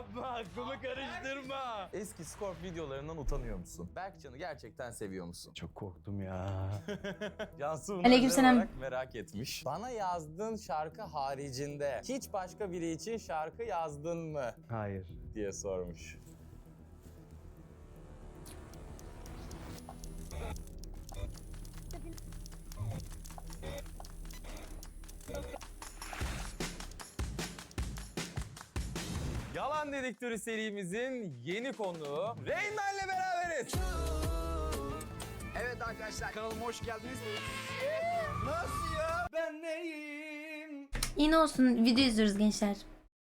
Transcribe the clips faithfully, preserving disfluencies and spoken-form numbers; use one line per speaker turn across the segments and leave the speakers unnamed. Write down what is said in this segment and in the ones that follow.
Yapma, aklımı karıştırma. Eski Scorp videolarından utanıyor musun? Berkcan'ı gerçekten seviyor musun?
Çok korktum ya.
Cansu bunu
Aleykümselam.
özel olarak merak etmiş. Bana yazdığın şarkı haricinde hiç başka biri için şarkı yazdın mı?
Hayır.
Diye sormuş. Yalan Dedektörü serimizin yeni konuğu Reynmen ile beraberiz.
Evet arkadaşlar kanalıma hoş geldiniz.
Nasıl ya? Ben neyim?
Yine olsun, video izliyoruz gençler.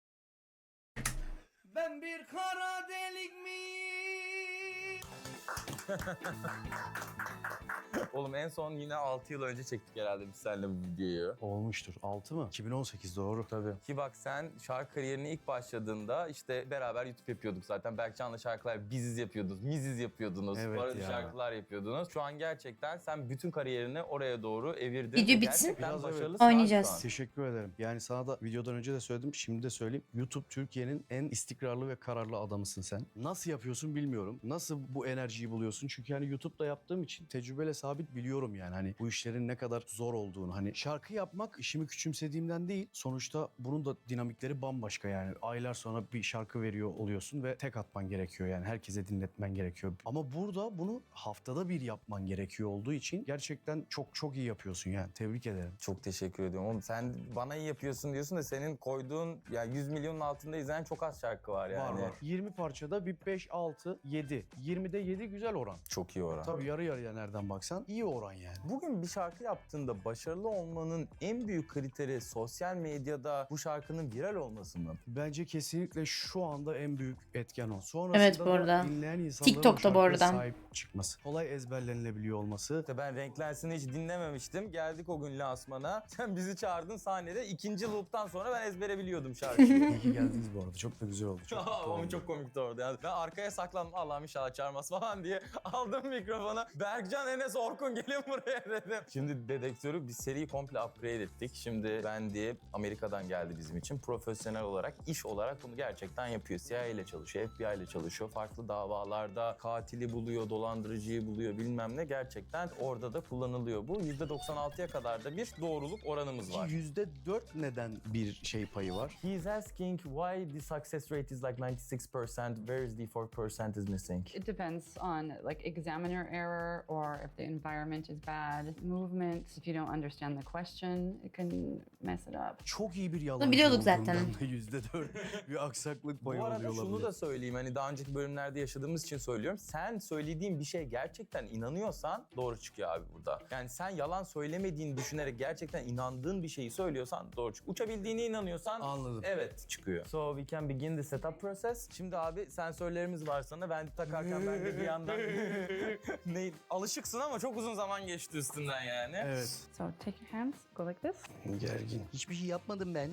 Ben bir kara delik miyim? Oğlum en son yine altı yıl önce çektik herhalde biz seninle bu videoyu.
Olmuştur. altı mı? iki bin on sekiz doğru.
Tabii. Ki bak sen şarkı kariyerine ilk başladığında işte beraber YouTube yapıyorduk zaten. Berkcan'la şarkılar biziz yapıyordunuz, miziz yapıyordunuz.
Evet
parodi
ya.
şarkılar yapıyordunuz. Şu an gerçekten sen bütün kariyerini oraya doğru evirdin.
Video
Ve
bitsin.
gerçekten
Biraz evet.
başarılısın
Oynayacağız.
şu an.
Teşekkür ederim. Yani sana da videodan önce de söyledim, şimdi de söyleyeyim. YouTube Türkiye'nin en istikrarlı ve kararlı adamısın sen. Nasıl yapıyorsun bilmiyorum. Nasıl bu enerjiyi buluyorsun? Çünkü hani YouTube'da yaptığım için tecrübeyle sabit biliyorum yani. Hani bu işlerin ne kadar zor olduğunu. Hani şarkı yapmak işimi küçümsediğimden değil. Sonuçta bunun da dinamikleri bambaşka yani. Aylar sonra bir şarkı veriyor oluyorsun ve tek atman gerekiyor yani. Herkese dinletmen gerekiyor. Ama burada bunu haftada bir yapman gerekiyor olduğu için gerçekten çok çok iyi yapıyorsun yani. Tebrik ederim.
Çok teşekkür ediyorum. Oğlum sen bana iyi yapıyorsun diyorsun da senin koyduğun ya yüz milyonun altında izlenen çok az şarkı var yani.
Var var. yirmi parçada bir beş, altı, yedi. yirmide yedi güzel oran.
Çok iyi oran.
Tabii yarı yarıya nereden baksan iyi oran yani.
Bugün bir şarkı yaptığında başarılı olmanın en büyük kriteri sosyal medyada bu şarkının viral olması mı?
Bence kesinlikle şu anda en büyük etken o. Sonrasında
Evet, bu
da
arada.
dinleyen insanların
TikTok'ta
o
bu
şarkıya
arada.
sahip çıkması. Kolay ezberlenilebiliyor olması.
İşte ben Renklensin'i hiç dinlememiştim. Geldik o gün lansmana. Sen bizi çağırdın sahnede. İkinci loop'tan sonra ben ezbere biliyordum şarkıyı.
İyi ki geldiniz bu arada. Çok da güzel oldu. Çok mutlu
Ama
oldum.
çok komikti orada. Yani ben arkaya saklandım. Allah'ım inşallah çağırmaz falan diye aldım mikrofonu. Berkcan, Enes, Orkun gelin buraya dedim. Şimdi dedektörü bir seriyi komple upgrade ettik. Şimdi ben diye Amerika'dan geldi bizim için. Profesyonel olarak, iş olarak bunu gerçekten yapıyor. C I A ile çalışıyor, F B I ile çalışıyor. Farklı davalarda katili buluyor, dolandırıcıyı buluyor bilmem ne. Gerçekten orada da kullanılıyor bu. yüzde doksan altıya kadar da bir doğruluk oranımız var.
Ki yüzde dört neden bir şey payı var?
He's asking why the success rate is like ninety-six percent, where is the four percent is missing?
It depends on like examiner error or if the environment is bad. Movement, if you don't understand the question, it can mess it up.
Çok iyi bir yalan.
biliyorduk zaten.
yüzde dört bir aksaklık payı
Bu arada
oluyor
şunu
olabilir.
da söyleyeyim, hani daha önceki bölümlerde yaşadığımız için söylüyorum. Sen söylediğin bir şeye gerçekten inanıyorsan doğru çıkıyor abi burada. Yani sen yalan söylemediğini düşünerek gerçekten inandığın bir şeyi söylüyorsan doğru çıkıyor. Uçabildiğine inanıyorsan
Anladım.
evet çıkıyor. So we can begin the setup process. Şimdi abi sensörlerimiz var sana. Ben takarken ben de bir yandan... ne, alışıksın ama çok uzun zaman geçti üstünden yani.
Evet.
So take your hands, go like this.
Gergin. Hiçbir şey yapmadım ben.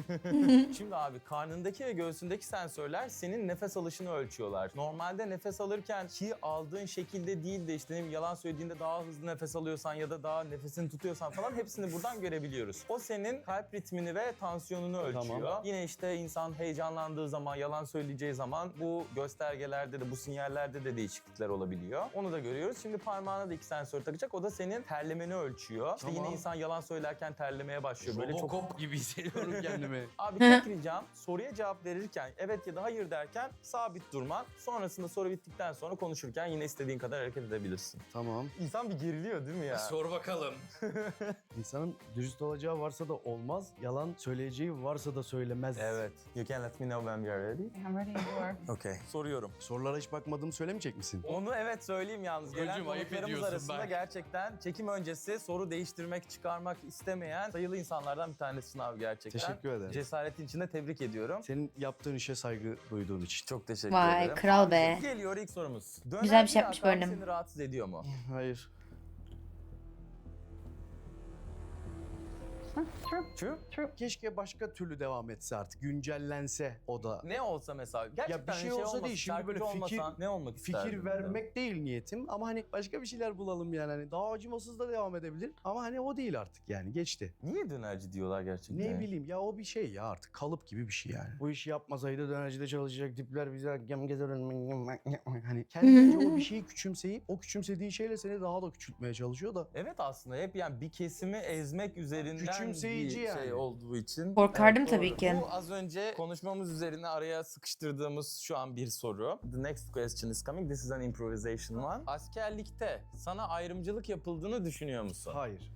Şimdi abi karnındaki ve göğsündeki sensörler senin nefes alışını ölçüyorlar. Normalde nefes alırken ki aldığın şekilde değil de işte ne bileyim, yalan söylediğinde daha hızlı nefes alıyorsan ya da daha nefesini tutuyorsan falan hepsini buradan görebiliyoruz. O senin kalp ritmini ve tansiyonunu ölçüyor.
Tamam.
Yine işte insan heyecanlandığı zaman, yalan söyleyeceği zaman bu göstergelerde de bu sinyallerde de değişiklikler olabiliyor. Onu da görüyoruz. Şimdi parmağına da iki sensör takacak. O da senin terlemeni ölçüyor. İşte
Tamam.
yine insan yalan söylerken terlemeye başlıyor. Böyle çok
Robocop gibi hissediyorum kendimi.
Abi tek ricam soruya cevap verirken evet ya da hayır derken sabit durman. Sonrasında soru bittikten sonra konuşurken yine istediğin kadar hareket edebilirsin.
Tamam.
İnsan bir geriliyor değil mi ya?
Sor bakalım.
İnsanın dürüst olacağı varsa da olmaz, yalan söyleyeceği varsa da söylemez.
Evet. You can let me know when we are ready.
I'm ready, you are.
Okay. Soruyorum.
Sorulara hiç bakmadığımı söylemeyecek misin?
Onu evet söyleyeyim yalnız. Gelen
Hocam, ayıp
konuklarımız
ediyorsun
arasında
bak.
gerçekten çekim öncesi soru değiştirmek, çıkarmak istemeyen sayılı insanlardan bir tanesi abi gerçekten.
Teşekkür ederim.
Cesaretin için de tebrik ediyorum.
Senin yaptığın işe saygı duyduğun için.
Çok teşekkür
Vay,
ederim.
kral be.
Geliyor ilk sorumuz.
Güzel bir
Döner
şey yapmış
adam
bölüm.
seni rahatsız ediyor mu?
Hayır.
Huh, true.
True.
True.
Keşke başka türlü devam etse artık. Güncellense o da.
Ne olsa mesela. Gerçekten
bir şey
şey
olsa
olmasa,
değil, şimdi böyle
şarkıcı
fikir-
olmasan ne olmak isterdin?
Fikir vermek değil niyetim ama hani başka bir şeyler bulalım yani. Hani daha acımasız da devam edebilir ama hani o değil artık yani geçti.
Niye dönerci diyorlar gerçekten?
Ne bileyim ya o bir şey ya artık kalıp gibi bir şey yani. Bu işi yapmasaydı dönercide çalışacak tipler bize gem gezer hani kendince o bir şeyi küçümseyip o küçümsediği şeyle seni daha da küçültmeye çalışıyor da.
Evet aslında hep yani bir kesimi ezmek üzerinden
Küçümseyici
bir
yani.
şey olduğu için.
Korkardım
Evet,
tabii
doğru.
ki.
Bu az önce konuşmamız üzerine araya sıkıştırdığımız şu an bir soru. The next question is coming. This is an improvisation one. Askerlikte sana ayrımcılık yapıldığını düşünüyor musun?
Hayır.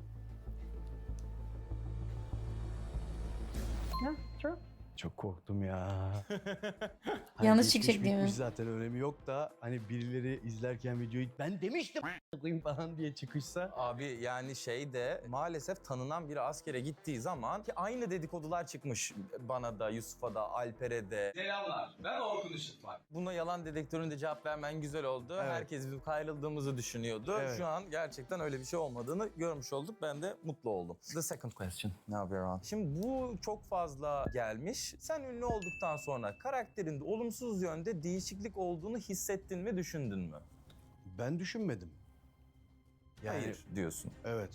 Yeah, true.
Çok korktum ya.
Yanlış
geçmiş
çıkacak değil mi?
bitmiş zaten önemi yok da hani birileri izlerken videoyu ben demiştim koyayım falan diye çıkışsa.
Abi yani şey de maalesef tanınan biri askere gittiği zaman ki aynı dedikodular çıkmış bana da, Yusuf'a da, Alper'e de.
Selamlar, ben Orkun Işıtmak.
Buna yalan dedektöründe cevap vermen güzel oldu.
Evet.
Herkes bizim ayrıldığımızı düşünüyordu.
Evet.
Şu an gerçekten öyle bir şey olmadığını görmüş olduk. Ben de mutlu oldum. The second question. Now we're on. Şimdi bu çok fazla gelmiş. Sen ünlü olduktan sonra karakterinde olumsuz yönde değişiklik olduğunu hissettin mi, düşündün mü?
Ben düşünmedim. Yani
Hayır diyorsun.
evet.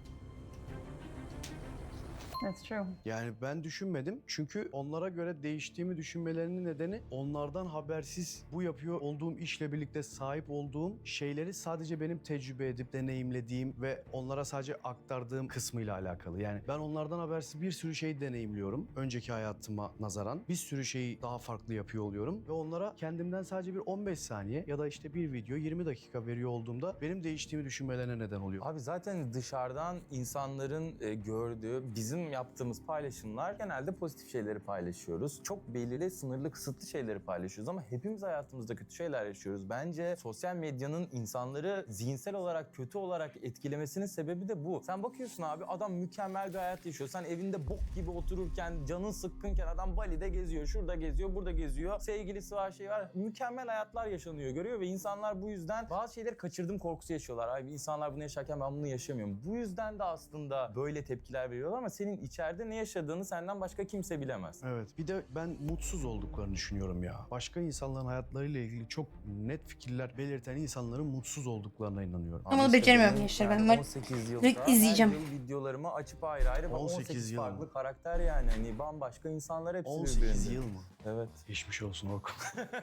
That's true.
Yani ben düşünmedim çünkü onlara göre değiştiğimi düşünmelerinin nedeni onlardan habersiz bu yapıyor olduğum işle birlikte sahip olduğum şeyleri sadece benim tecrübe edip deneyimlediğim ve onlara sadece aktardığım kısmıyla alakalı. Yani ben onlardan habersiz bir sürü şey deneyimliyorum önceki hayatıma nazaran. Bir sürü şeyi daha farklı yapıyor oluyorum ve onlara kendimden sadece bir on beş saniye ya da işte bir video yirmi dakika veriyor olduğumda benim değiştiğimi düşünmelerine neden oluyor.
Abi zaten dışarıdan insanların e, gördüğü, bizim yaptığımız paylaşımlar genelde pozitif şeyleri paylaşıyoruz. Çok belirli, sınırlı, kısıtlı şeyleri paylaşıyoruz ama hepimiz hayatımızda kötü şeyler yaşıyoruz. Bence sosyal medyanın insanları zihinsel olarak, kötü olarak etkilemesinin sebebi de bu. Sen bakıyorsun abi, adam mükemmel bir hayat yaşıyor. Sen evinde bok gibi otururken, canın sıkkınken adam Bali'de geziyor, şurada geziyor, burada geziyor. Sevgilisi var, şey var. Mükemmel hayatlar yaşanıyor, görüyor ve insanlar bu yüzden bazı şeyleri kaçırdım korkusu yaşıyorlar. Abi insanlar bunu yaşarken ben bunu yaşamıyorum. Bu yüzden de aslında böyle tepkiler veriyorlar ama senin içeride ne yaşadığını senden başka kimse bilemez.
Evet. Bir de ben mutsuz olduklarını düşünüyorum ya. Başka insanların hayatlarıyla ilgili çok net fikirler belirten insanların mutsuz olduklarına inanıyorum.
Ama
işte
beceremiyorum
benim
gençler,
yani
ben var-
on sekiz yılda
direkt izleyeceğim.
her yıl videolarımı açıp ayrı ayrı
on sekiz
on sekiz
yıl
farklı
mı?
karakter yani. Hani bambaşka insanlar hepsi
on sekiz
birbirinde.
yıl mı?
Evet.
Geçmiş olsun Orkun.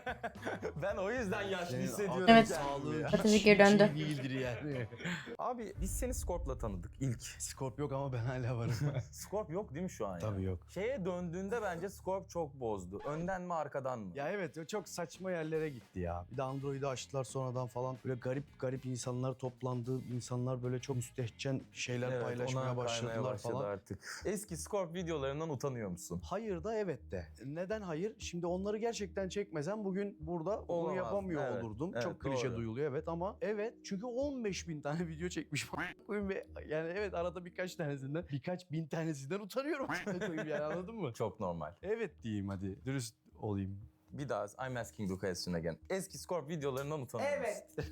Ben o yüzden yaşlı
Senin
hissediyorum.
Evet.
kendimi ya.
Atatürk geri döndü.
Hiç iyi değildir yani.
Abi biz seni Scorp'la tanıdık ilk.
Scorp yok ama ben hala varım.
Scorp yok değil mi şu an?
Tabii
ya?
yok.
Şeye döndüğünde bence Scorp çok bozdu. Önden mi arkadan mı?
Ya evet o çok saçma yerlere gitti ya. Bir de Android'i açtılar sonradan falan. Böyle garip garip insanlar toplandı. İnsanlar böyle çok müstehcen şeyler
Evet,
paylaşmaya
ona
başladılar
kaymaya başladı
falan.
artık. Eski Scorp videolarından utanıyor musun?
Hayır da evet de. Neden hayır? Şimdi onları gerçekten çekmesem bugün burada bunu
Olamaz.
yapamıyor
Evet,
olurdum.
evet,
Çok klişe
doğru.
duyuluyor evet ama evet çünkü on beş bin tane video çekmiş koyayım ve yani evet arada birkaç tanesinden birkaç bin tanesinden utanıyorum koyayım yani anladın mı?
Çok normal.
Evet diyeyim hadi dürüst olayım.
Bir daha I'm asking the question again. Eski Scorp videolarından utanıyor musun?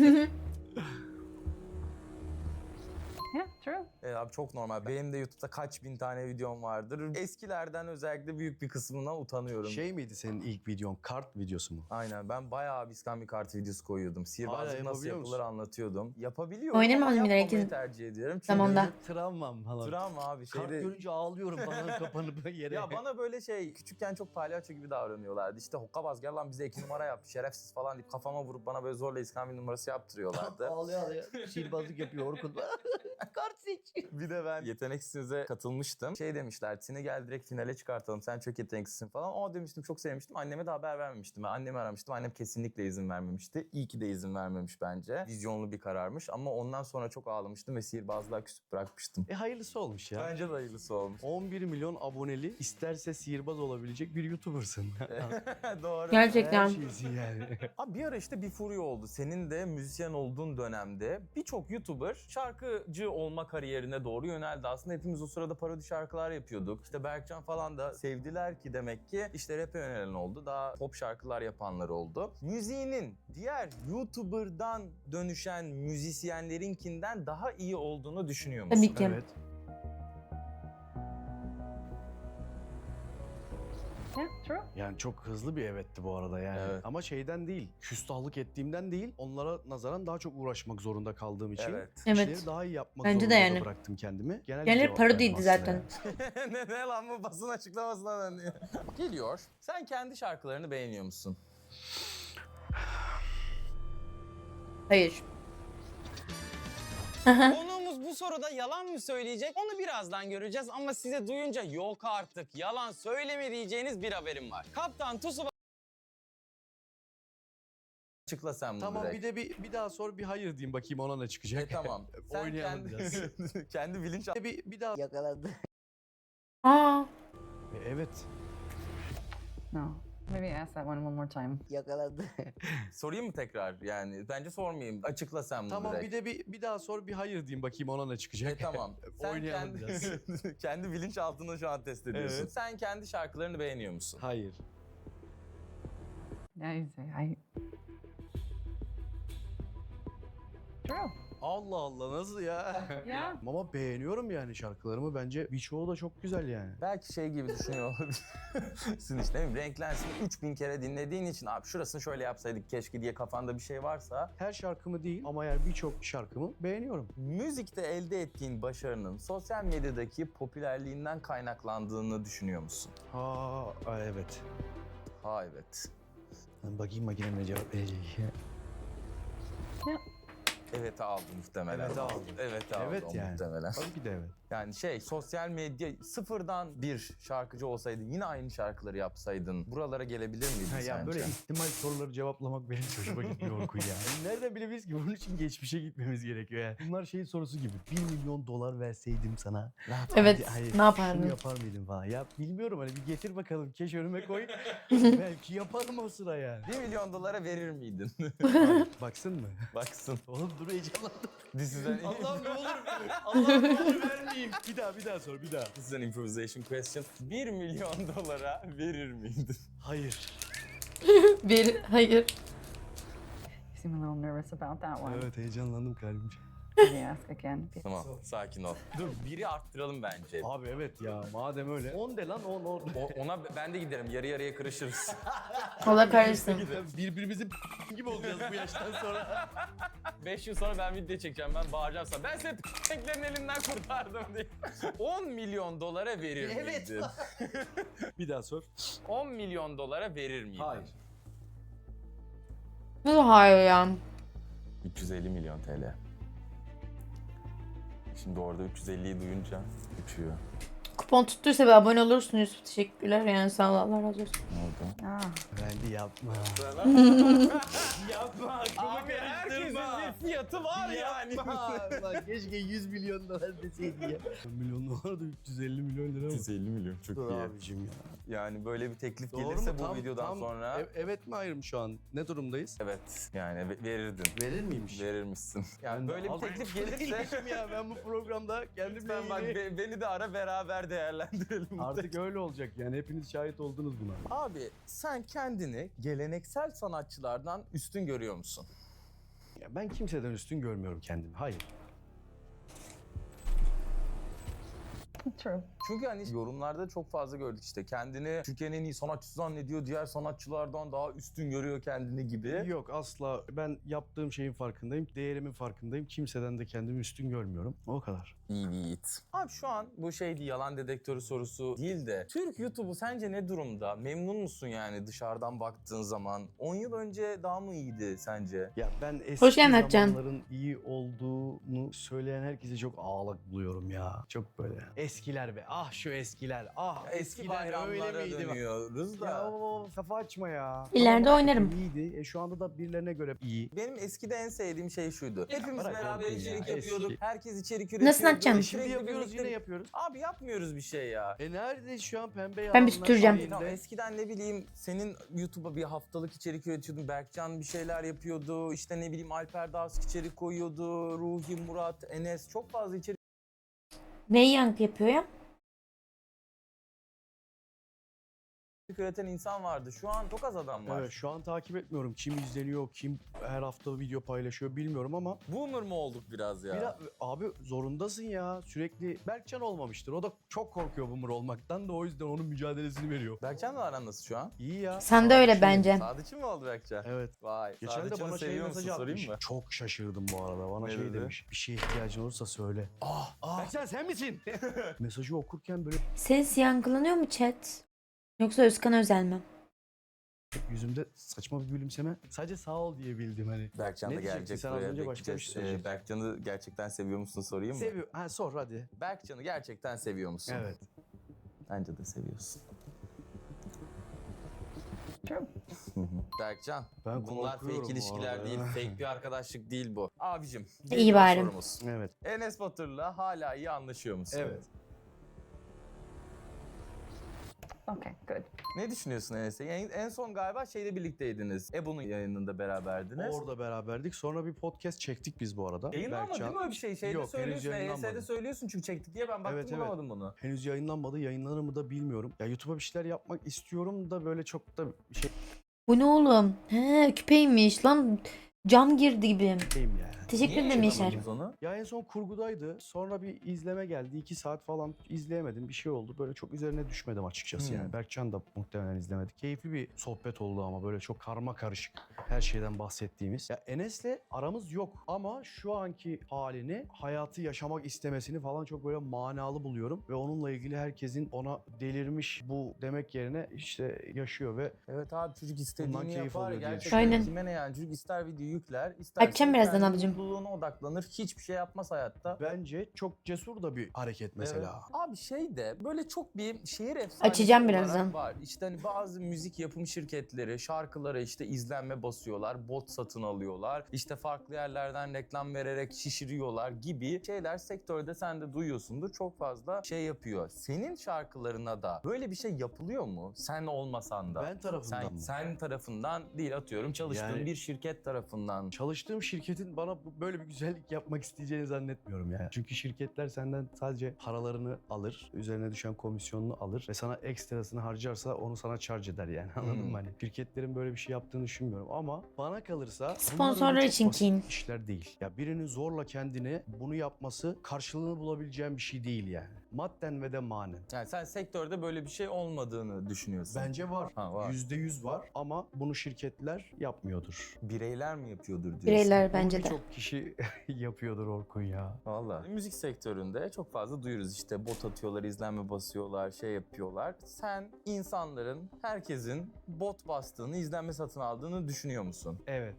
Yeah, true.
Evet abi çok normal. Benim de YouTube'da kaç bin tane videom vardır. Eskilerden özellikle büyük bir kısmından utanıyorum.
Şey miydi senin ilk videon? Kart videosu mu?
Aynen ben bayağı bir kart videosu koyuyordum. Sihirbazlık nasıl
yapabiliyor
yapılır
musun?
anlatıyordum. Yapabiliyorum
Oynamam
ama
bile
yapmamayı
herkesin
tercih ediyorum. Çünkü
zamanında.
Travmam falan.
travma abi.
Kart
Şeyde...
görünce ağlıyorum falan kapanıp yere.
Ya bana böyle şey küçükken çok palyaço gibi davranıyorlardı. İşte hokkabaz gel lan bize iki numara yap şerefsiz falan deyip kafama vurup bana böyle zorla iskambil numarası yaptırıyorlardı.
ağlıyor ağlıyor. Sihirbazlık yapıyor Orkun. Kart seç.
Bir de ben yeteneksiz'e katılmıştım. Şey demişler, seni gel direkt finale çıkartalım, sen çok yeteneksizsin falan. O demiştim, çok sevmiştim. Anneme de haber vermemiştim. Ben annemi aramıştım. Annem kesinlikle izin vermemişti. İyi ki de izin vermemiş bence. Vizyonlu bir kararmış ama ondan sonra çok ağlamıştım ve sihirbazlığa küsüp bırakmıştım.
E hayırlısı olmuş ya.
Bence de hayırlısı olmuş.
on bir milyon aboneli isterse sihirbaz olabilecek bir YouTuber'sın.
Doğru.
Gerçekten.
Her şeysin yani.
Abi bir ara işte bir furya oldu. Senin de müzisyen olduğun dönemde birçok YouTuber şarkıcı olma kariyerine doğru yöneldi. Aslında hepimiz o sırada parodi şarkılar yapıyorduk. İşte Berkcan falan da sevdiler ki demek ki işte rap'e yönelen oldu. Daha pop şarkılar yapanlar oldu. Müziğinin diğer YouTuber'dan dönüşen müzisyenlerinkinden daha iyi olduğunu düşünüyor musun?
Tabii ki.
Evet.
Yeah, true.
Yani çok hızlı bir evetti bu arada yani.
Evet.
Ama şeyden değil, küstahlık ettiğimden değil, onlara nazaran daha çok uğraşmak zorunda kaldığım için
Evet.
işleri
Evet.
daha iyi yapmak
Bence de
zorunda
yani.
da bıraktım kendimi. Genel bir
Genel
cevap
parodiydi
verdim aslında
zaten.
yani.
ne, ne lan bu basın açıklamasına dönüyor. Geliyor. Sen kendi şarkılarını beğeniyor musun?
Hayır.
Konuğumuz bu soruda yalan mı söyleyecek? Onu birazdan göreceğiz ama size duyunca yok artık yalan söyleme diyeceğiniz bir haberim var. Kaptan Tsubasa... Açıkla sen bunu
Tamam
direkt.
bir de bir, bir daha sor bir hayır diyeyim bakayım ona ne çıkacak.
E, tamam. Sen
Oynayalım
kendi,
biraz.
kendi bilinç...
bir, bir daha.
Aa.
E, Evet.
No. Maybe ask that one one more time.
Sorayım mı tekrar yani? Bence sormayayım. Açıkla sen bunu
Tamam
direkt.
bir de bir, bir daha sor bir hayır diyeyim bakayım ona ne çıkacak.
E, tamam. Sen
Oynayalım
kendi,
biraz.
kendi bilinçaltını şu an test ediyorsun.
Evet.
Sen kendi şarkılarını beğeniyor musun?
Hayır.
Yeah, you say I. True.
Allah Allah nasıl ya?
Yeah.
Ama beğeniyorum yani şarkılarımı. Bence birçoğu da çok güzel yani.
Belki şey gibi düşünüyor olabilirsin işte değil mi? Renklensin üç bin kere dinlediğin için abi şurasını şöyle yapsaydık keşke diye kafanda bir şey varsa
Her şarkımı değil ama yani birçok şarkımı beğeniyorum.
müzikte elde ettiğin başarının sosyal medyadaki popülerliğinden kaynaklandığını düşünüyor musun?
Ha evet.
Ha evet.
Ben bakayım makine ne cevap verecek.
Evet aldım muhtemelen.
Evet aldım.
Evet aldım
Evet yani.
muhtemelen.
Tabii ki de evet.
Yani şey sosyal medya sıfırdan bir şarkıcı olsaydın yine aynı şarkıları yapsaydın buralara gelebilir miydin
Ha,
sence?
ya böyle ihtimal soruları cevaplamak benim hoşuma gitmiyor Orkun ya. Nereden bilebiliriz ki bunun için geçmişe gitmemiz gerekiyor yani. Bunlar şey sorusu gibi. Bir milyon dolar verseydim sana.
Ne yapardın?
Evet.
Hayır,
Ne
Şunu
yapardın?
yapar mıydın falan. Ya bilmiyorum hani bir getir bakalım. Keş önüme koy. Belki yaparım o sıra yani.
Bir milyon dolara verir miydin?
Hayır, baksın mı?
Baksın.
Oğlum dur heyecanlandım.
This is an,
Allah'ım ne olur. Allah'ım ne olur vermeyeyim. Bir daha bir daha sor bir daha.
This is an improvisation question. Bir milyon dolara verir miydin?
Hayır.
Bir. Hayır.
You seem a little nervous about that one.
Evet heyecanlandım kalbim.
Maybe ask again.
Tamam sakin ol. Dur biri arttıralım bence.
Abi evet ya madem öyle. on de lan on on.
O, ona ben de giderim yarı yarıya kırışırız.
Allah kahretsin.
Birbirimizin gibi olacağız bu yaştan sonra.
Beş yıl sonra ben video çekeceğim ben bağıracağım sana. Ben seni renklerin elinden kurtardım diye. on milyon dolara verir miydin?
Bir daha sor.
on milyon dolara verir miydin?
Hayır.
Nasıl hayır ya?
üç yüz elli milyon T L. Şimdi orada üç yüz elliyi duyunca uçuyor.
Kupon tuttuysa bir abone olursunuz. Teşekkürler yani sağ ol Allah razı olsun.
Ne oldu?
Ah.
Bence yapma.
Yapma Abi herkesin bir fiyatı var yani.
Lan keşke yüz milyon dolar deseydi ya. milyon dolar da üç yüz elli milyon lira
üç
mı?
yüz elli milyon çok
Dur
iyi.
abicim ya.
Yani böyle bir teklif
Doğru
gelirse
mu?
bu
Tam-
videodan
tam
sonra
e- evet mi hayır mı şu an? Ne durumdayız?
evet yani ve- verirdin.
Verir miymiş?
Verirmişsin. Yani
Ben de
böyle bir
az-
teklif gelirse
ya ben bu programda kendimle
lütfen bak
ilgili...
be- beni de ara beraber değerlendirelim. bu
Artık öyle olacak yani hepiniz şahit oldunuz buna.
Abi sen kendini geleneksel sanatçılardan üstün görüyor musun?
Ya ben kimseden üstün görmüyorum kendimi. Hayır.
True.
Çünkü hani yorumlarda çok fazla gördük işte kendini Türkiye'nin en iyi sanatçısı zannediyor, diğer sanatçılardan daha üstün görüyor kendini gibi.
Yok asla. Ben yaptığım şeyin farkındayım. Değerimin farkındayım. Kimseden de kendimi üstün görmüyorum. O kadar.
İyi bir yiğit. Abi şu an bu şey değil, yalan dedektörü sorusu değil de Türk YouTube'u sence ne durumda? Memnun musun yani dışarıdan baktığın zaman? on yıl önce daha mı iyiydi sence?
Ya ben eski
Hoş geldin Atcan.
zamanların iyi olduğunu söyleyen herkese çok ağlak buluyorum ya. Çok böyle. Eskiler be. Ah şu eskiler. Ah
Eski
eskiler öyle
bayramlara
miydi?
dönüyoruz da.
Ya o kafa açma ya.
İleride
Tamam,
oynarım.
İyiydi. E, şu anda da birilerine göre iyi.
Benim eskide en sevdiğim şey şuydu. Hepimiz
bırak
beraber
Orkun ya,
içerik
eski.
yapıyorduk. Herkes içerik üretiyordu.
Nasıl atacaksın?
Şimdi
Sürekli
yapıyoruz
birlikte-
yine yapıyoruz.
Abi yapmıyoruz bir şey ya.
E nerede şu an pembe
Ben bir
yalanlar
süpüreceğim.
şeyinde?
Tamam, eskiden ne bileyim senin YouTube'a bir haftalık içerik üretiyordun. Berkcan bir şeyler yapıyordu. İşte ne bileyim Alper Dağısk içerik koyuyordu. Ruhi, Murat, Enes çok fazla içerik
Neyi yankı yapıyor ya?
üreten insan vardı. Şu an çok az adam var.
Evet, şu an takip etmiyorum. Kim izleniyor, kim her hafta video paylaşıyor bilmiyorum ama
Boomer mu olduk biraz ya?
biraz, abi zorundasın ya. Sürekli Berkcan olmamıştır. O da çok korkuyor boomer olmaktan da o yüzden onun mücadelesini veriyor.
Berkcan'la aran nasıl şu an?
İyi ya.
Sen de öyle
Sadıç'ın-
bence.
Sadıççı mı oldu Berkcan?
Evet.
Vay.
Geçen de
Sadıççı'nı
bana şey
seviyor musun
mesajı atmış.
sorayım mı?
Çok şaşırdım bu arada. Bana
Ne
şey
dedi?
demiş. Bir şeye ihtiyacın olursa söyle. Ah, ah. Berkcan sen misin? Mesajı okurken böyle
Ses yankılanıyor mu chat? Yoksa Özkan Özel mi?
yüzümde saçma bir gülümseme. Sadece sağ ol diyebildim hani.
Berkcan
Ne
da
diyecektin?
gelecek
Sen az
buraya
önce başka bir
bekleyeceğiz.
şey söyleyecektin.
Ee, Berkcan'ı gerçekten seviyor musun sorayım mı?
Seviyor. Ha sor hadi.
Berkcan'ı gerçekten seviyor musun?
Evet.
Bence de seviyorsun.
True.
Berkcan,
Ben
bunlar
korkuyorum
fake
bu
ilişkiler
arada
değil,
ya.
fake bir arkadaşlık değil bu. Abicim,
İyi
geliyor
bari.
sorumuz.
Evet.
Enes Batur'la hala iyi anlaşıyor musun?
Evet.
Okay, good.
Ne düşünüyorsun Enes'e? En, en son galiba şeyde birlikteydiniz. Ebu'nun yayınında beraberdiniz.
Orada beraberdik. Sonra bir podcast çektik biz bu arada.
Yayınlanmadı
Berkcan-
değil mi öyle bir şey? Şeyde
Yok, henüz
söylüyorsun, E Y S'de
yayınlanmadı.
söylüyorsun çünkü çektik diye ben baktım
Evet, evet.
bulamadım bunu.
Henüz yayınlanmadı. Yayınlanır mı da bilmiyorum. Ya YouTube'a bir şeyler yapmak istiyorum da böyle çok da şey
Bu ne oğlum? He küpeymiş lan. Cam girdi gibi.
şeyim yani.
Teşekkür
Niye
ederim Yaşar.
yayınlamadınız onu?
Ya en son kurgudaydı. Sonra bir izleme geldi. iki saat falan izleyemedim. Bir şey oldu. Böyle çok üzerine düşmedim açıkçası
Hmm.
yani. Berkcan da muhtemelen izlemedi. Keyifli bir sohbet oldu ama böyle çok karma karışık her şeyden bahsettiğimiz. Ya Enes'le aramız yok ama şu anki halini, hayatı yaşamak istemesini falan çok böyle manalı buluyorum. Ve onunla ilgili herkesin ona delirmiş bu demek yerine işte yaşıyor ve
Evet abi çocuk istediğini
Bundan keyif
yapar.
alıyor diye
Gerçekten
Aynen.
kime ne yani çocuk ister video yükler, ister
Açacağım birazdan ablacığım.
mutluluğuna odaklanır, hiçbir şey yapmaz hayatta.
bence çok cesur da bir hareket mesela.
Evet. Abi şey de böyle çok bir şehir efsanesi
Açacağım
olarak
birazdan.
var. İşte hani bazı müzik yapım şirketleri şarkılara işte izlenme basıyorlar, bot satın alıyorlar. İşte farklı yerlerden reklam vererek şişiriyorlar gibi şeyler sektörde sen de duyuyorsundur. Çok fazla şey yapıyor. Senin şarkılarına da böyle bir şey yapılıyor mu? Sen olmasan da.
Ben tarafından
sen,
mı?
sen tarafından değil atıyorum çalıştığın
Yani-
bir şirket tarafından.
Çalıştığım şirketin bana bu- böyle bir güzellik yapmak isteyeceğini zannetmiyorum yani. Çünkü şirketler senden sadece paralarını alır, üzerine düşen komisyonunu alır ve sana ekstrasını harcarsa onu sana charge eder yani anladın
Hmm.
mı? Hani şirketlerin böyle bir şey yaptığını düşünmüyorum ama bana kalırsa bunlar
Sponsorlar
öyle çok
için
basit
kin.
işler değil. Ya birinin zorla kendine bunu yapması karşılığını bulabileceğin bir şey değil yani. Madden ve de manen.
Yani sen sektörde böyle bir şey olmadığını düşünüyorsun.
Bence var.
Ha, var.
Yüzde yüz var ama bunu şirketler yapmıyordur.
Bireyler mi yapıyordur diyorsun?
Bireyler bence
Bunu
de.
birçok kişi yapıyordur Orkun ya.
Valla. Müzik sektöründe çok fazla duyuyoruz işte bot atıyorlar, izlenme basıyorlar, şey yapıyorlar. Sen insanların, herkesin bot bastığını, izlenme satın aldığını düşünüyor musun?
Evet.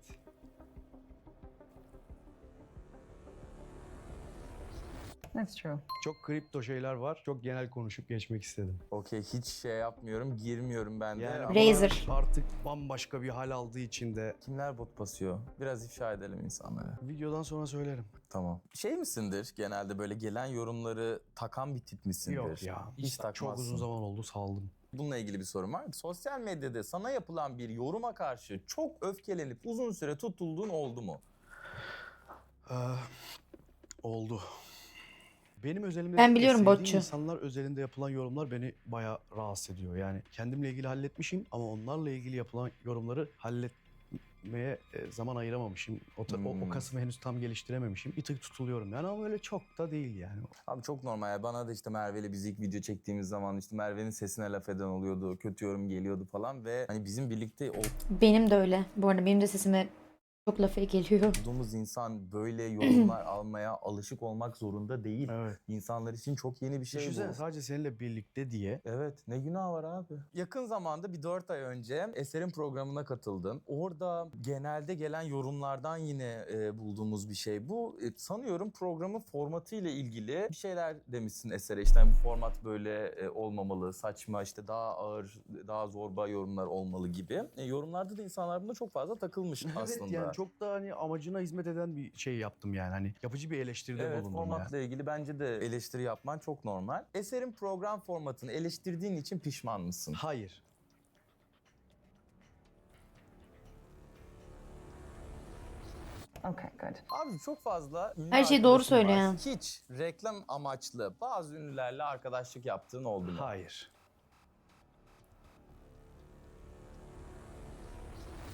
That's true.
Çok kripto şeyler var. Çok genel konuşup geçmek istedim.
Okey hiç şey yapmıyorum, girmiyorum ben de.
Yani
Ama
Razer.
artık bambaşka bir hal aldığı için de
kimler bot basıyor? Biraz ifşa edelim insanlara.
videodan sonra söylerim.
Tamam. Şey misindir genelde böyle gelen yorumları takan bir tip misindir?
Yok ya.
Hiç
Çok
takmazsın.
uzun zaman oldu saldım.
Bununla ilgili bir sorum var. Sosyal medyada sana yapılan bir yoruma karşı çok öfkelenip uzun süre tutulduğun oldu mu?
Ee, oldu. Benim özelimde
Ben biliyorum
sevdiğim
botçu.
insanlar özelinde yapılan yorumlar beni bayağı rahatsız ediyor. Yani kendimle ilgili halletmişim ama onlarla ilgili yapılan yorumları halletmeye e, zaman ayıramamışım. O, ta- o, o
Hmm.
kasımı henüz tam geliştirememişim. Bir tık tutuluyorum yani ama öyle çok da değil yani.
Abi çok normal ya. Bana da işte Merve'yle biz ilk video çektiğimiz zaman işte Merve'nin sesine laf eden oluyordu. Kötü yorum geliyordu falan ve hani bizim birlikte
Benim de öyle. Bu arada benim de sesime çok lafı geliyor.
olduğumuz insan böyle yorumlar almaya alışık olmak zorunda değil.
Evet.
İnsanlar için çok yeni bir şey
Düşünsene
bu.
sadece seninle birlikte diye.
Evet ne günah var abi. Yakın zamanda bir dört ay önce Eser'in programına katıldım. Orada genelde gelen yorumlardan yine e, bulduğumuz bir şey bu. E, sanıyorum programın formatı ile ilgili bir şeyler demişsin Eser'e. İşte hani bu format böyle e, olmamalı, saçma işte daha ağır, daha zorba yorumlar olmalı gibi. E, yorumlarda da insanlar buna çok fazla takılmış aslında.
Evet yani çok da hani amacına hizmet eden bir şey yaptım yani. Hani yapıcı bir eleştiride
Evet
bulundum
formatla
yani.
ilgili bence de eleştiri yapman çok normal. Eser'in program formatını eleştirdiğin için pişman mısın?
Hayır.
Okay, good.
Abi çok fazla ünlü
Her şeyi doğru
arkadaşım
söylüyor
var.
ya.
Hiç reklam amaçlı bazı ünlülerle arkadaşlık yaptığın oldu mu?
Hayır.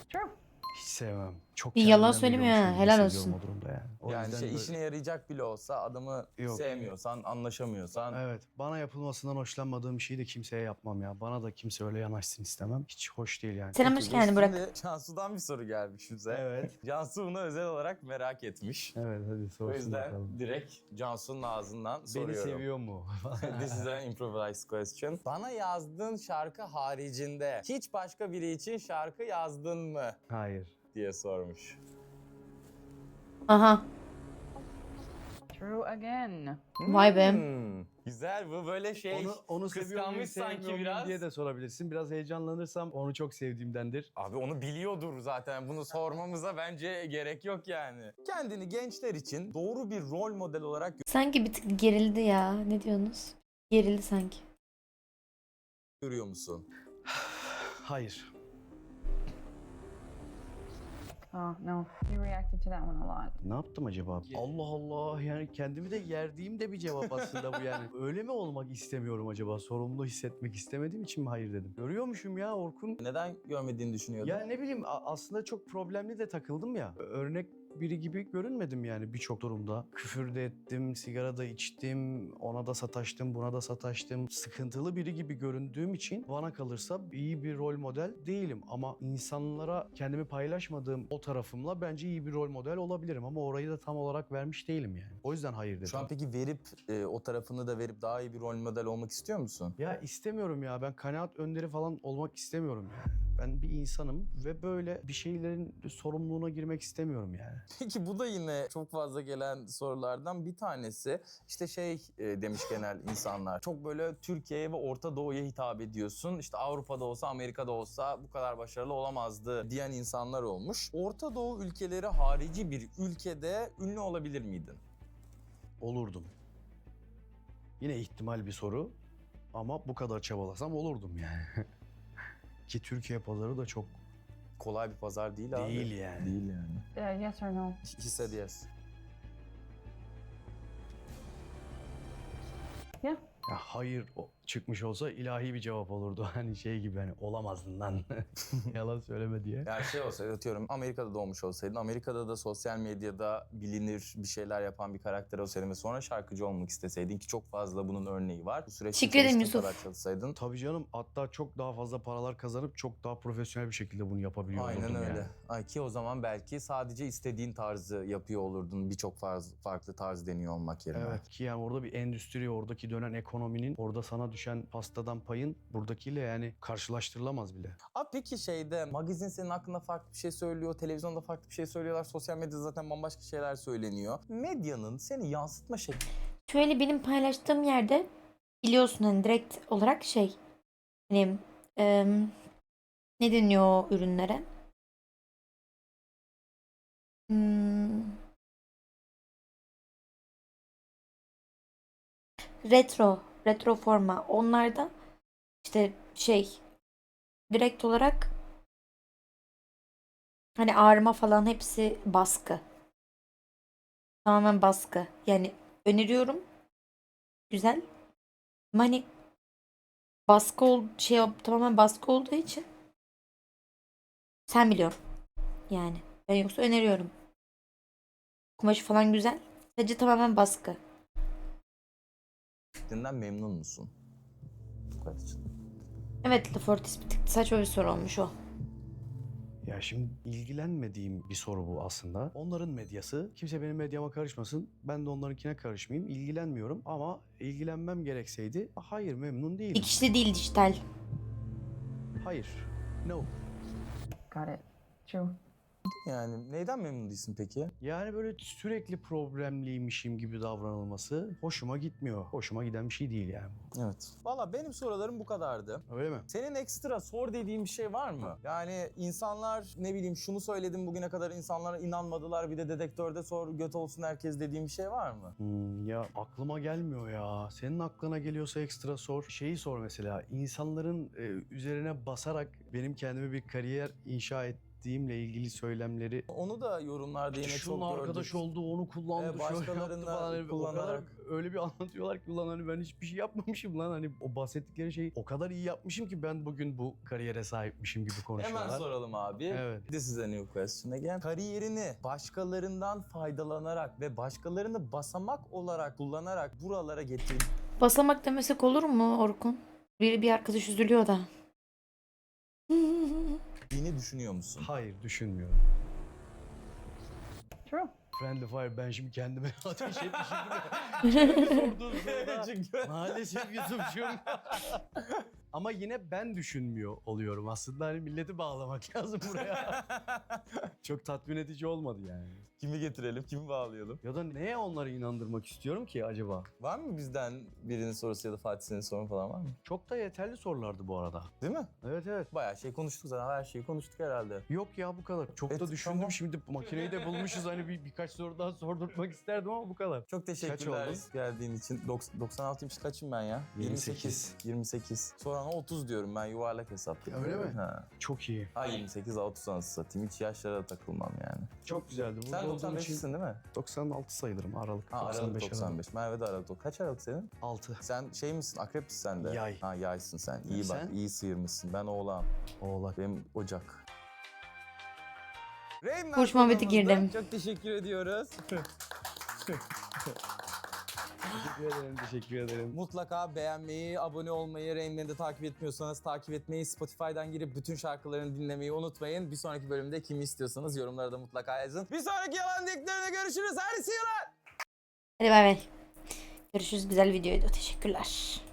True.
Hiç sevmem. Çok
Bir yalan
kendimden
söylemiyor ha,
biliyormuşum gibi
helal
hissediyorum
olsun.
o durumda yani. O
Yani
yüzden
şey
böyle-
işine yarayacak bile olsa adamı
Yok.
sevmiyorsan, anlaşamıyorsan.
Evet. Bana yapılmasından hoşlanmadığım şeyi de kimseye yapmam ya. Bana da kimse öyle yanaşsın istemem. Hiç hoş değil yani.
Selam hoş geldin Burak.
Şimdi Cansu'dan bir soru gelmiş bize.
Evet.
Cansu bunu özel olarak merak etmiş.
Evet hadi
O
sorsun
yüzden
bakalım.
direkt Cansu'nun ağzından
Beni
soruyorum.
seviyor mu?
This is an improvised question. Bana yazdığın şarkı haricinde hiç başka biri için şarkı yazdın mı
Hayır.
diye sormuş.
Aha.
True again.
Vay be.
Hmm, güzel, bu böyle şey
Onu, onu seviyor muyum,
kıskanmış
sevmiyor
sanki
muyum
biraz.
diye de sorabilirsin. Biraz heyecanlanırsam onu çok sevdiğimdendir.
Abi onu biliyordur zaten. Bunu sormamıza bence gerek yok yani. Kendini gençler için doğru bir rol model olarak
Sanki bir tık gerildi ya. Ne diyorsunuz? Gerildi sanki.
görüyor musun?
Hayır.
Oh no, you reacted to that one a lot.
Ne yaptım acaba? Allah Allah, yani kendimi de yerdiğim de bir cevap aslında bu yani. Öyle mi olmak istemiyorum acaba? Sorumlu hissetmek istemediğim için mi hayır dedim? Görüyormuşum ya Orkun.
Neden görmediğini düşünüyordun?
Ya ne bileyim a- aslında çok problemli de takıldım ya. Örnek biri gibi görünmedim yani birçok durumda. Küfür de ettim, sigara da içtim, ona da sataştım, buna da sataştım. Sıkıntılı biri gibi göründüğüm için bana kalırsa iyi bir rol model değilim. Ama insanlara kendimi paylaşmadığım o tarafımla bence iyi bir rol model olabilirim. Ama orayı da tam olarak vermiş değilim yani. O yüzden hayır dedim.
Şu an peki verip e, o tarafını da verip daha iyi bir rol model olmak istiyor musun?
Ya istemiyorum ya, ben kanaat önderi falan olmak istemiyorum yani. Ben bir insanım ve böyle bir şeylerin sorumluluğuna girmek istemiyorum yani.
Peki bu da yine çok fazla gelen sorulardan bir tanesi. İşte şey e, demiş genel insanlar. Çok böyle Türkiye'ye ve Orta Doğu'ya hitap ediyorsun. İşte Avrupa'da olsa, Amerika'da olsa bu kadar başarılı olamazdı diyen insanlar olmuş. Orta Doğu ülkeleri harici bir ülkede ünlü olabilir miydin?
Olurdum. Yine ihtimal bir soru ama bu kadar çabalasam olurdum yani. Ki Türkiye pazarı da çok
Kolay bir pazar değil abi.
değil yani.
Değil yani.
Uh, yes or no?
He said yes.
Yeah.
Ya hayır o- çıkmış olsa ilahi bir cevap olurdu. Hani şey gibi, hani olamazdın lan. Yalan söyleme diye.
Yani şey olsaydı, atıyorum Amerika'da doğmuş olsaydın, Amerika'da da sosyal medyada bilinir bir şeyler yapan bir karakter olsaydın ve sonra şarkıcı olmak isteseydin, ki çok fazla bunun örneği var. Bu süreçte
Teşekkür ederim
çalıştığın
Yusuf.
kadar çalışsaydın.
Tabii canım, hatta çok daha fazla paralar kazanıp çok daha profesyonel bir şekilde bunu yapabiliyor
Aynen
olurdum
öyle.
yani.
Ay, ki o zaman belki sadece istediğin tarzı yapıyor olurdun. Birçok farz- farklı tarz deniyor olmak yerine.
Evet, ki yani orada bir endüstri, oradaki dönen ekonominin, orada sana düşen pastadan payın buradakiyle yani karşılaştırılamaz bile.
Abi peki şeyde magazin senin hakkında farklı bir şey söylüyor, televizyonda farklı bir şey söylüyorlar, sosyal medyada zaten bambaşka şeyler söyleniyor. Medyanın seni yansıtma şekli
Şöyle benim paylaştığım yerde biliyorsun hani direkt olarak şey hani em, ne deniyor o ürünlere? Hmm, retro, retro forma. Onlarda işte şey direkt olarak hani ağrıma falan hepsi baskı. Tamamen baskı. Yani öneriyorum. Güzel. Ama hani baskı ol şey tamamen baskı olduğu için sen biliyorsun. Yani ben yoksa öneriyorum. Kumaşı falan güzel. Sadece tamamen baskı.
şeklinden memnun musun? Bu kadar.
Evet, Lafortis bir tık saçma bir soru olmuş o.
Ya şimdi ilgilenmediğim bir soru bu aslında. Onların medyası. Kimse benim medyama karışmasın. Ben de onlarınkine karışmayayım. İlgilenmiyorum ama ilgilenmem gerekseydi hayır, memnun değilim.
Dikişli değil, dijital.
Hayır. No.
Got it. True.
Yani neyden memnun değilsin peki?
Yani böyle sürekli problemliymişim gibi davranılması hoşuma gitmiyor. Hoşuma giden bir şey değil yani.
Evet. Valla benim sorularım bu kadardı.
Öyle mi?
Senin ekstra sor dediğin bir şey var mı? Yani insanlar ne bileyim şunu söyledim bugüne kadar, insanlara inanmadılar, bir de dedektörde sor göt olsun herkes dediğim bir şey var mı?
Hmm, ya aklıma gelmiyor ya. Senin aklına geliyorsa ekstra sor. Şeyi sor mesela. İnsanların e, üzerine basarak benim kendime bir kariyer inşa et ettiğimle ilgili söylemleri
Onu da yorumlarda yine
şunun
çok
arkadaş
gördük.
oldu, onu kullandı,
Evet,
şöyle yaptı
başkalarından
falan. Hani o kadar
kullanarak.
öyle bir anlatıyorlar ki ulan hani ben hiçbir şey yapmamışım lan. Hani o bahsettikleri şeyi o kadar iyi yapmışım ki ben bugün bu kariyere sahipmişim gibi konuşuyorlar.
Hemen soralım abi.
Evet.
This is a new question again. Kariyerini başkalarından faydalanarak ve başkalarını basamak olarak kullanarak buralara getirdiğini
Basamak demesek olur mu Orkun? Bir, bir arkadaş üzülüyor da.
düşünüyor musun?
Hayır, düşünmüyorum.
True.
Friendly Fire, ben şimdi kendime ateş etmişim. Sorduğun soruda
Çünkü
maalesef Yusuf'cum. Ama yine ben düşünmüyor oluyorum. Aslında hani milleti bağlamak lazım buraya. Çok tatmin edici olmadı yani.
kimi getirelim, kimi bağlayalım?
Ya da neye onları inandırmak istiyorum ki acaba?
Var mı bizden birinin sorusu ya da Fatih senin sorun falan var mı?
Çok da yeterli sorulardı bu arada.
Değil mi?
Evet evet.
Bayağı şey konuştuk zaten, her şeyi konuştuk herhalde.
Yok ya bu kadar. Çok
Evet,
da düşündüm.
tamam.
Şimdi makineyi de bulmuşuz. Hani bir, birkaç soru daha sordurtmak isterdim ama bu kadar.
Çok teşekkürler
oldun?
geldiğin için. Dok- doksan altıymış kaçım ben ya?
yirmi sekiz.
yirmi sekiz. Sonra otuz diyorum ben, yuvarlak hesap.
Öyle mi?
Ha.
Çok iyi.
Ha yirmi sekiz otuz anasını satayım. Hiç yaşlara takılmam yani.
Çok güzeldi. Burada
Sen
olduğum
doksan
için
beşsin değil mi?
doksan altı sayılırım. Aralık.
Ha
doksan
Aralık
beş
doksan beş. Merve de Aralık. Kaç Aralık senin?
altı.
Sen şey misin? Akrep misin sen de?
Yay.
Ha yaysın sen. İyi bak.
Sen?
İyi sıyırmışsın. Ben oğlağım.
Oğlak.
Benim Ocak. Rain
Kuş muhabbeti
kanalımızda
girdim.
Çok teşekkür ediyoruz.
Teşekkür ederim. Teşekkür ederim.
Mutlaka beğenmeyi, abone olmayı, Rainman'i de takip etmiyorsanız takip etmeyi, Spotify'dan girip bütün şarkılarını dinlemeyi unutmayın. Bir sonraki bölümde kimi istiyorsanız yorumlara da mutlaka yazın. Bir sonraki yalan dediklerine görüşürüz. Hadi see you lan.
Hadi bay bay. Görüşürüz. Güzel videoydu. Teşekkürler.